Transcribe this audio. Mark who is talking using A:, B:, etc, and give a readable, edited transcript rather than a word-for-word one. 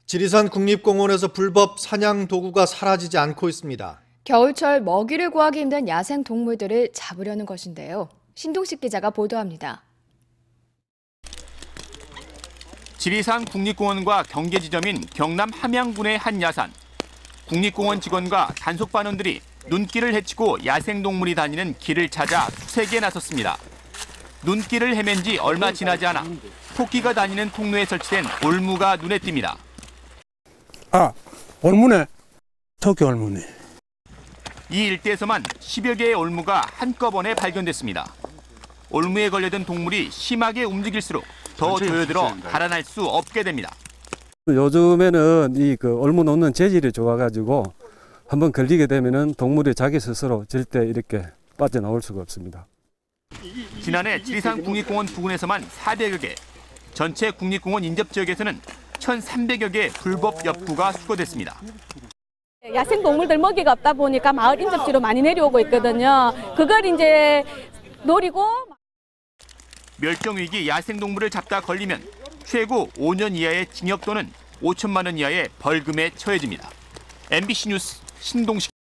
A: 지리산 국립공원에서 불법 사냥 도구가 사라지지 않고 있습니다.
B: 겨울철 먹이를 구하기 힘든 야생 동물들을 잡으려는 것인데요. 신동식 기자가 보도합니다.
C: 지리산 국립공원과 경계 지점인 경남 함양군의 한 야산. 국립공원 직원과 단속반원들이 눈길을 헤치고 야생동물이 다니는 길을 찾아 수색에 나섰습니다. 눈길을 헤맨 지 얼마 지나지 않아 토끼가 다니는 통로에 설치된 올무가 눈에 띕니다.
D: 아, 올무네. 토끼 올무네.
C: 이 일대에서만 10여 개의 올무가 한꺼번에 발견됐습니다. 올무에 걸려든 동물이 심하게 움직일수록 더 조여들어 달아날 수 없게 됩니다.
E: 요즘에는 이 올무 놓는 재질이 좋아가지고 한번 걸리게 되면은 동물이 자기 스스로 절대 이렇게 빠져나올 수가 없습니다.
C: 지난해 지리산 국립공원 부근에서만 400여 개, 전체 국립공원 인접 지역에서는 1,300여 개 불법 엽구가 수거됐습니다.
F: 야생 동물들 먹이가 없다 보니까 마을 인접지로 많이 내려오고 있거든요. 그걸 이제 노리고
C: 멸종위기 야생동물을 잡다 걸리면 최고 5년 이하의 징역 또는 5천만 원 이하의 벌금에 처해집니다. MBC 뉴스 신동식